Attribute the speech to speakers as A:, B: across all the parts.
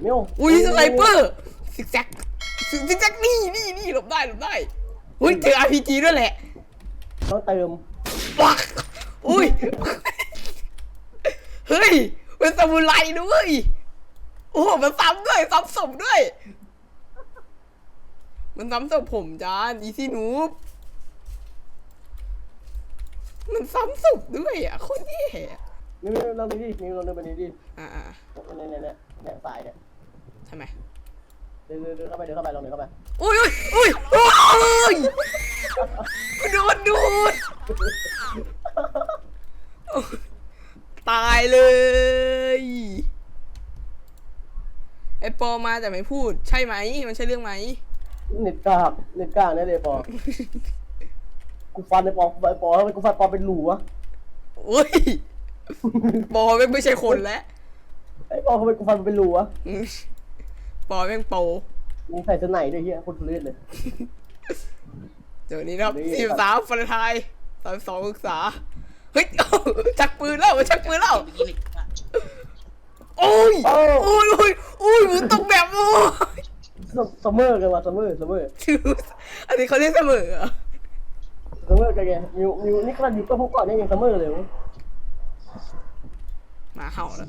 A: นิ้ว
B: อุ้ยสไนเปอร์ซิกแซกนี่หลบได้อุ้ยเจอ RPG ด้วยแหละ
A: ต้องเติม
B: ปักอุ้ยเฮ้ยเป็นซามูไรด้วยโอ้มันซ้ำด้วยซ้ำศพด้วยมันซ้ำศพผมจานอีซี่นูบมันซ้ำศพด้วยอ่ะโคตรแย่
A: นิ้วลองดูดินิ้วลองดูไปดิเนี่ยสายเนี่ย
B: ทำไม
A: เดินเข้าไปลองเดินเข้าไป
B: อุ้ยดูดตายเลยไอปอมาแต่ไม่พูดใช่ไหมมันใช่เรื่องไหม
A: เน็ตกากเนี่ยเลยปอกูฟันไอปอทำไมกูฟันปอเป็นหลูวะ
B: อุ้ยปอไม่ใช่คนแล้ว
A: ไอปอทำไมกูฟันเป็นหลูวะ
B: ปอแม่งโป
A: มึงใส่เสื้อไหนด้วยเฮียคนทุเรศเลย
B: เดี๋ยวนี้นะครับ43ฟันไทย32ศึกษาเฮ้ยชักปืนแล้วโอ้ยมึงตกแบบโอ้ย
A: ซัมเมอร์กันวะซัมเมอร์
B: อันนี้เขาเรียกเสมอ
A: ซัมเมอร์กันไงมิวนี่ขนาดอยู่ก็พวกก่อนยังซัมเมอร์เลย
B: มาเห่าแล้ว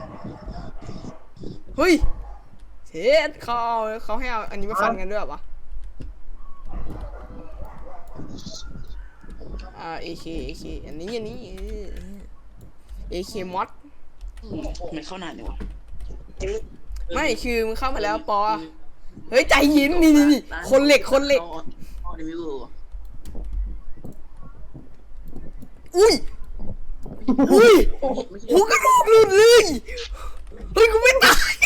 B: เฮ้ยเช็ดเขาให้เอาอันนี้มาฟันกันด้วยปะAK อันนี้AK มอด
C: มันเข้านานเลยวะ
B: ไม่คือมึงเข้ามาแล้วปอเฮ้ยใจเย็นนี่คนเหล็กอุ้ยหัวกระโหลกหลุดเลยเฮ้ยกูไม่ตาย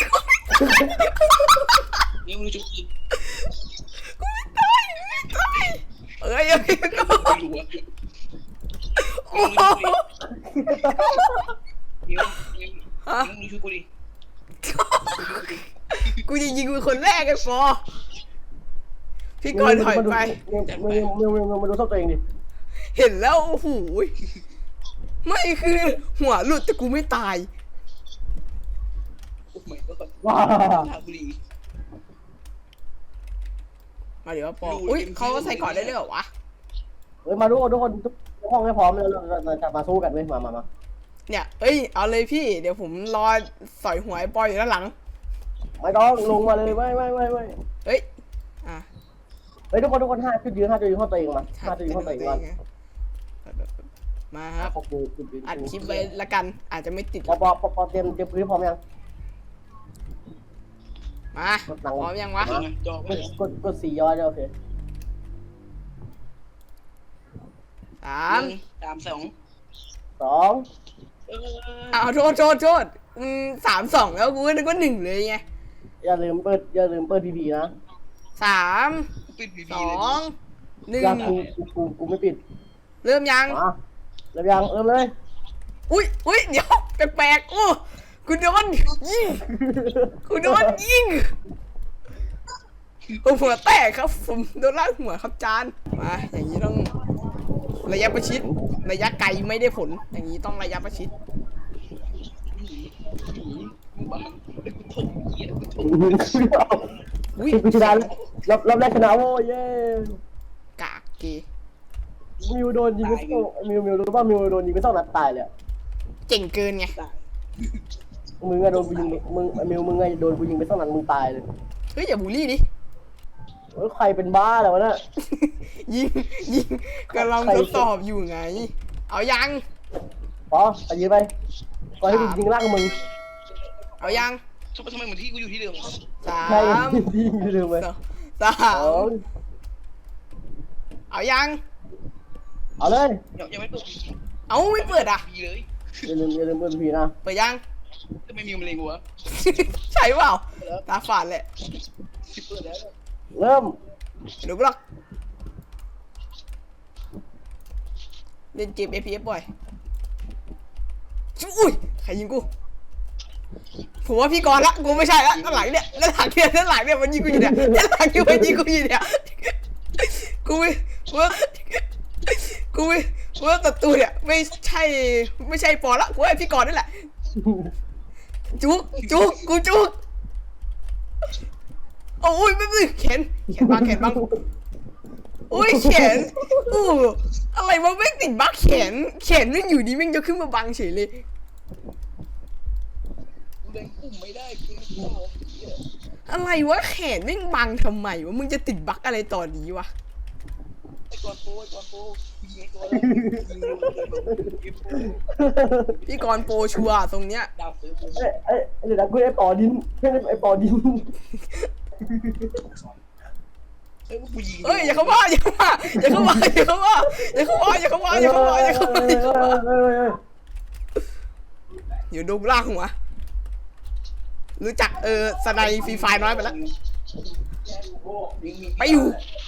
C: นี่มึงจุกจิก
B: กูไม่ตายเอ้ยก็โอ้
C: มึงช่วยกูดิ
B: กูจะยิงเป็นคนแรกไอ้ฟอพี่ก่อนถอยไป
A: มาดูศพตัวเองดิ
B: เห็นแล้วโอ้โหไม่คือหัวหลุดแต่กูไม่ตาย
A: ว้า
B: มาเดี๋ยวปออุ้ยเขาใส่ก่อนได้เลยเหรอวะ
A: เฮ้ยมาดูทุกคนทุกห้องให้พร้อมเลยเราจะมาสู้กันเว้ยมา
B: เนี่ยเอ้ยเอาเลยพี่เดี๋ยวผมรอสอยหัวไอ้ปออยู่ด้านหลัง
A: ไม่ต้องลงมาเลยไม่
B: เฮ้ย
A: เฮ้ยทุกคนห้าจุดยืนห้องตัวเองมา5จุดยืนห้องตัวเอง
B: มาครับอัดคลิปไว้ละกันอาจจะไม่ติด
A: พอเตรียมพื้นพร้อมยัง
B: มาพร้อมยังวะ
A: กด4 ยอดโอเค
B: 3
A: 2
B: เอาโทษ3-2แล้วกูนึกว่า1เลยไง
A: อย่าลืมเปิดพีนะ
B: 3 2 1
A: กูไม่ปิด
B: เริ่มยัง
A: เริ่มเลย
B: อุ้ยเดี๋ยวแปลกๆโอ้กูโดนยิงหัวแตกครับผมโดนลากหัวครับจานมาอย่างนี้ต้องระยะประชิดระยะไกลไม่ได้ผลอย่างนี้ต้องระยะประชิด
A: กูชนะรอบแรกชนะโว้ยเย้
B: กากเก
A: มิวโดนยิงไปมิวรู้ป่ะมิวโดนยิงไป2 นัดตายเลย
B: เจ๋งเกินไง
A: มึงอะโดนกูยิงมึงไงโดนกูยิงไป2 นัดมึงตายเลย
B: เฮ้ยอย่าบูลลี่ดิ
A: ใครเป็นบ้าแล้ววะเนี่ย
B: ยิงกำลังทดสอบอยู่ไงเอายัง
A: พอไปยืนไปก่อนที่ยิงล่างมึง
B: เอายัง
C: ทำไมเหมือนที่กูอยู่ที่เดิม
B: 3
A: ที่เดิมเลย
B: เอายัง
A: เอาเลย
C: ยังไม่เปิด
B: เอาไม่เปิดอ่ะ
C: เลย
A: อย่าลืมเปิดพีนะ
B: เปิดยัง
C: จะไม่มีมะเร็งวะ
B: ใช่เปล่าตาฝาดแหละ
C: เปิดแล้ว
A: เริ่ม
B: ดูบล็อกเล่นเกม FPS บ่อยอุ้ยใครยิงกูผมว่าพี่กรละกูไม่ใช่ละด้านหลังเนี่ยมันยิงกูอยู่เนี่ยด้านหลังที่มันยิงกูอยู่เนี่ยกูว่าศัตรูเนี่ยไม่ใช่ปอละกูไอ้พี่กรนั่นแหละจุกโอ้ยไม่แขนบังโอ้ยแขนโอ้อะไรวะแม่งติดบักแขนไม่งอยู่ดีแม่งจะขึ้นมาบังเฉยเลย
C: กูเล่นปุ่มไม่ได้กูเล่นปุ่มเหี้ย
B: อะไรวะแขนแม่งบังทำไมวะมึงจะติดบักอะไรตอนนี้วะ
C: ไอ้กอนโปยิงไอ้ตัวแล้วยิงดู
B: พี่กรณ์โปรชัวร์ตรงเนี้ย
C: ดาวซื้อกู
A: เดี๋ยวนะกูไอ้ปอดินไอ้ปอดิน
C: เฮ้ยกูยิง
B: เอ้ยอย่าเข้ามาอย่าเข้ามาอยู่ดูล่างหัวรู้จักสไนฟรีไฟน้อยไปแล้วไปอยู่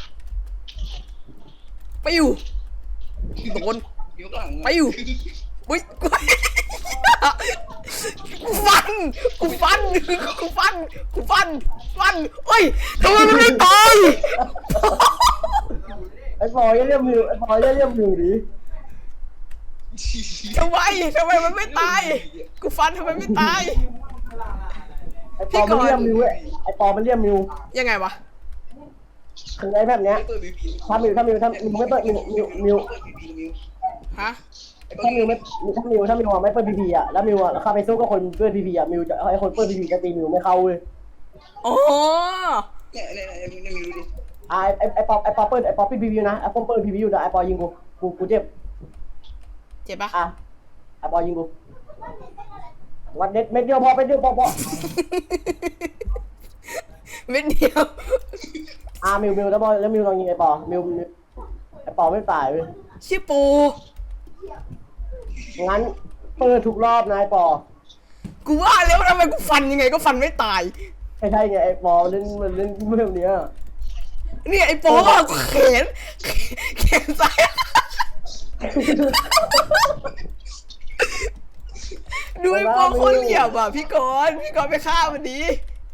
B: โดน
C: ยกหลัง
B: ไปอยู่ อุ้ยกูฟันเฮ้ยทำไมมันไม่ตาย
A: ไอ้ปออย่าเรียกมิวไอ้ปออย่าเรียกมิวดิ
B: ทำไมมันไม่ตายกูฟันทำไมไม่ตาย
A: ไอ้ปอมันเรียกมิวไอ้ปอมันเรียกมิว
B: ยังไงวะ
A: คือไอ้แบบเนี้ย
C: เปิดบีบี
A: ถ้ามิวไม่เปิดมิว
C: เปิดบีบีมิว
B: ฮะ
A: ถ้ามิวไม่เปิดพีพีอ่ะแล้วมิวอ่ะเข้าไปสู้กับคนเปิดพีพีอ่ะมิวจะไอ้คนเปิดพีพีจะตีมิวไม่เข้าเว้ย
B: อ๋อ
C: เนี่ยมิวดูดิ
A: ไอ้ปอเปิดพีพีนะไอ้ปอเปิดพีพีอยู่นะไอ้ปอยิงกูเจ็บ
B: เจ็บปะ
A: อ่ะไอ้ปอยิงกูวันเม็ดเดียวพอไปเดียวพอ
B: เม็ดเดียว
A: มิวแล้วบอลแล้วมิวลองยิงไอ้ปอมิวไอ้ปอไม่ตายเว้ย
B: ชื่อปู
A: งั้นเปิดทุกรอบนะไอ้ปอ
B: กูว่าแล้วทำไมกูฟันยังไงก็ฟันไม่ตาย
A: ไม่ใช่ไงไอ้ปอเล่นแบบเนี้ย
B: เนี่ยไอ้โป๊ะแขนซ้ายดูไอ้โป๊ะคนเหลี่ยมอ่ะพี่กรณ์ไปฆ่าวันนี้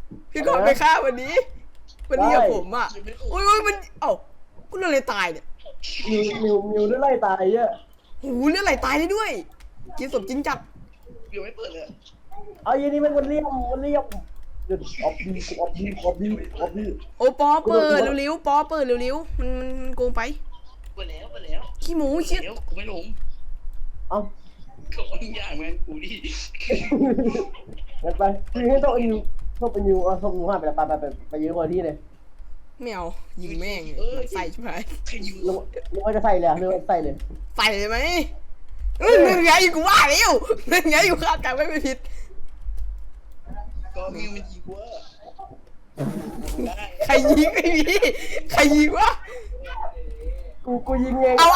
B: วันนี้กับผมอ่ะอุ้ยมันกูเรื่องอะไรตายเนี่ย
A: มิวได้ไล่ตายเยอะ
B: โอ้โหเรื่องอะไรตายได้ด้วยกินสมจริงจัด
C: มิวไม่เปิดเลย
A: เอาอย่างนี้มันเลี่ยมเดี๋ยวออกดี
B: โอ้ปอเปิดเร็วๆปอเปิดเร็วๆมันโกงไป
C: เปิดแล้ว
B: ขี้หมูเชี่ย
C: เดี๋ยวกูไม่ลง
A: เอา
C: ก็อย่างงั้นกูดิ
A: งั้นไปคือให้ต้องเป็นนิวเอาส่งนิวห้าไปยืนคนที่เลย
B: ไม่เอายิงแม่งใส่ใช่ไหม
C: ใครยิง
A: หรือว่าจะใส่เลยหรือว่าใส่เลย
B: ใส่เลยไหมเรื่องไงกูว่าแล้วเรื่องไงกูคาดการณ์ไม่ผิด
C: ก็มิวมันยิงกูได้
B: ใครยิงไม่มีใครยิงวะ
A: กูยิงเอง
B: เอา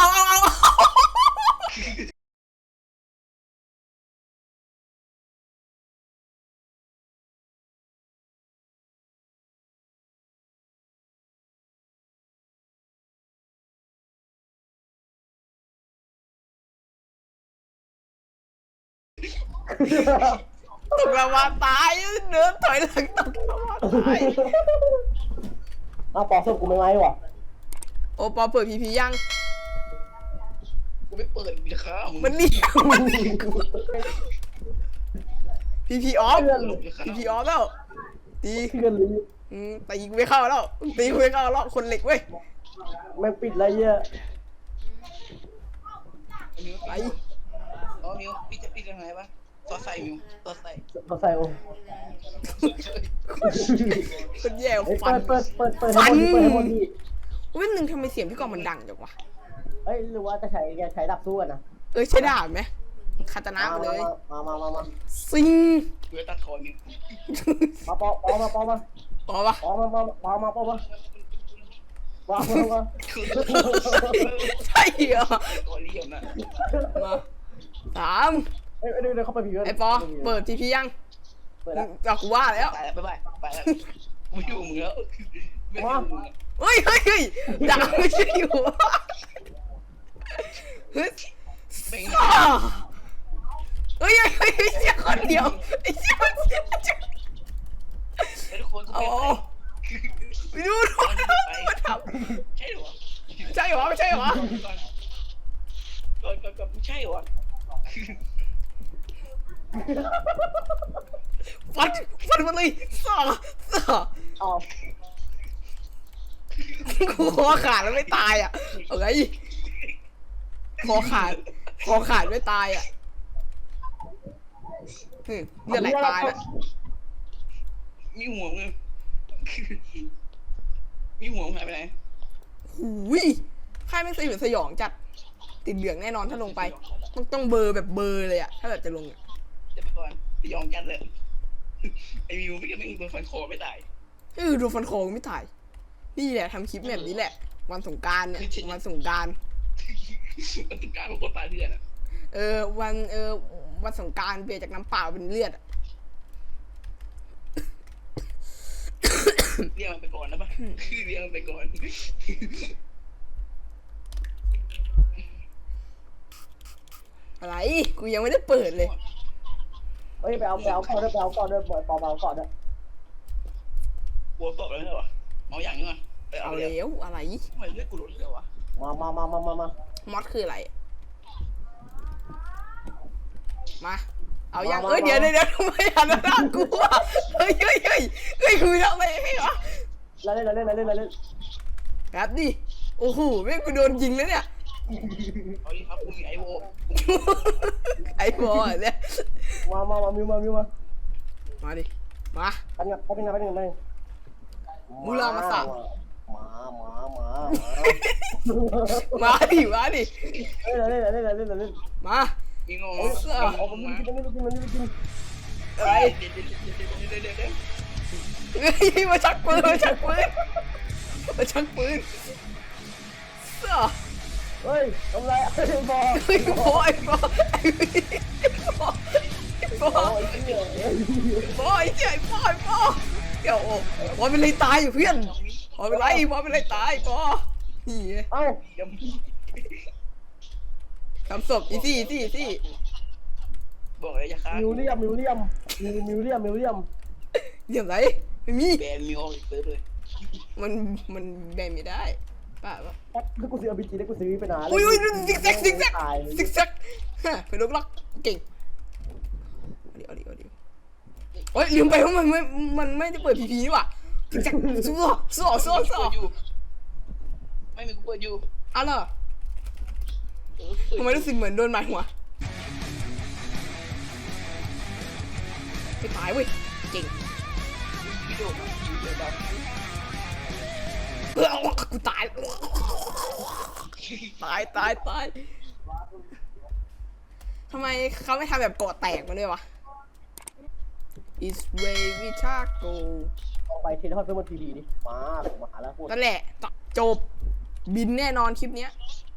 B: ตกละมาตายเดินถอยหลังตกละมาตาย
A: ปอส่งกูไม่ไหววะ
B: โอปอเปิดพียัง
C: กูไม่เปิดจะฆ่ามึง
B: มันนี่พีออฟแล้วตี
A: เพื่อนเลย
B: ตีกูไม่เข้าแล้วคนเหล็กเว้ย
A: ไม่ปิดอะไรเยอะ
C: มิวไปอ๋อมิวปิดยังไงวะตัวใส่มิวตัวใส่
A: เขาใส่โอ้
B: คนแย่
A: เปิ
B: ฟัน
A: ดให้หมดดี
B: วันหนึ่งทำไมเสียงพี่กองมันดังจังวะ
A: เอ้ยหรือว่าจะใช้ดับสู้กันนะ
B: ใช้ดาบไหมคาตานะมาเลย
A: มา
B: ซิง
C: กูจะตัดคอมิว
A: มาปอมา
B: ปอปะ ใช่เหรอ
C: ตัวเลี่ยมนะ
B: มาสาม
A: เดี๋ยวเข้าไปผีกัน
B: ไอปอเปิดทีพียัง
A: เปิดแล้ว
B: จากกูว่าแล้ว
C: ไปแล้วไปแล้วไม่อยู่มึงแล้วไม่อยู่มึง
B: เฮ้ยดาบไม่ใช่อยู่เฮ้ย
C: ไม่
B: เชี่ยคนเดียวไอ้เชี่ย
C: ทุกคน
B: โอ้ไปดูมันทำ
C: ใช่หรอ
B: ใช่เหรอไม่ใช่เหรอ
C: ก่อนใช่หรอ
B: ฟันมันเลยซ่า
A: อ้าว
B: กูคอขาดแล้วไม่ตายอ่ะเอาไงคอขาดไม่ตายอ่ะเลือดไหลตายแล้ว
C: มีหัวมึงมีหัวมึงหายไปไหน
B: หูยไพ่ไม่สยดสยองจัดติดเหลืองแน่นอนถ้าลงไปต้องเบอร์แบบเบอร์เลยอ่ะถ้าแบบจะลงอะ
C: จะไปก่อนไปยองกันเลยไอ้มิวไม่ก็ไม่โดนฟันคอไม่ตาย
B: ดูฟันคอไม่ถ่ายนี่แหละทำคลิปแบบนี้แหละ วันสงกรานต์เนี่ยวันสงกรานต์
C: มันต้องการของคนตายเพื่อนอ่ะ
B: วันสงกรานต์เปลี่ยนจากน้ำเปล่าเป็นเลือดอะ
C: เรียกมันไปก่อนนะป่ะเรียกมันไปก่อน
B: อะไรกูยังไม่ได้เปิดเลย
A: เฮ้ยไปเอาก่อนด้วยปอเอาก่อนด้วย
C: หัวตกแล้วเหรอเมาอย่างนี้มั้ยไปเอา
B: เอา
C: เลย
B: แล้วอะไร
C: ทำไมเลือดกูหลุดเลยวะ
A: มาม
B: อดคืออะไรมาเอายังเดี๋ยวทำไมหันหน้ากูอ่ะเฮ้ยกูทำอะไรให้วะ
A: เล่น
B: แบบดิโอ้โหแม่งกูโดนยิงแล้วเนี่ย
C: เอาดิครับกูมีไอโว
B: ไอ้บอลเนี่ย
A: มามิวมา
B: มาดิมา
A: ไปยัง
B: มูลามาสั่ง
A: มา
B: มาดิ
A: เล่น
B: มา
C: มีงง
A: เอาผมไม่กิน
B: อะไร
C: เดี๋ยว
B: เฮ้ยมาชักปืนเสื้อ
A: เฮ้ยทำไรไอ้บอ
B: เฮ้ยบอยบอยเดี๋ยวบอยเป็นไรตายอยู่เพื่อนบอยเป็นไรตายบอยนี่
A: เอ้า
C: ยัง
B: ทำศพอีซี่
C: บอกเลยอย่าฆ่า
A: มิวเลียม
B: เดี๋ยวไรไม่มี
C: แบนมิวออกเซิร์ฟเลย
B: มันแบ่งไม่ได้ป่ะ
A: ถ้ากูซื้อเอาบีจีได้กูซื้อไปนาน
B: อุ้ยซิกแซกเป็นลูกลักเก่งเอาดิโอ้ยลืมไปว่ามันไม่ได้เปิดพีพีนี่หว่าซิกแซกสู้
C: ไม่มีกูเปิดอยู่
B: อะไรทำไมรู้สึกเหมือนโดนหมายหัวไม่ตายเว้ยเก่ง
C: พี่โดอยู่เดี๋ยวเรา
B: กูตายทำไมเขาไม่ทำแบบเกาะแตกมาด้วยวะ It's way we taco
A: ไปเทเลทอดเพิ่มมาทีดีดิมาหาแล้วพูด
B: นั่นแหละจบบินแน่นอนคลิปเนี้ย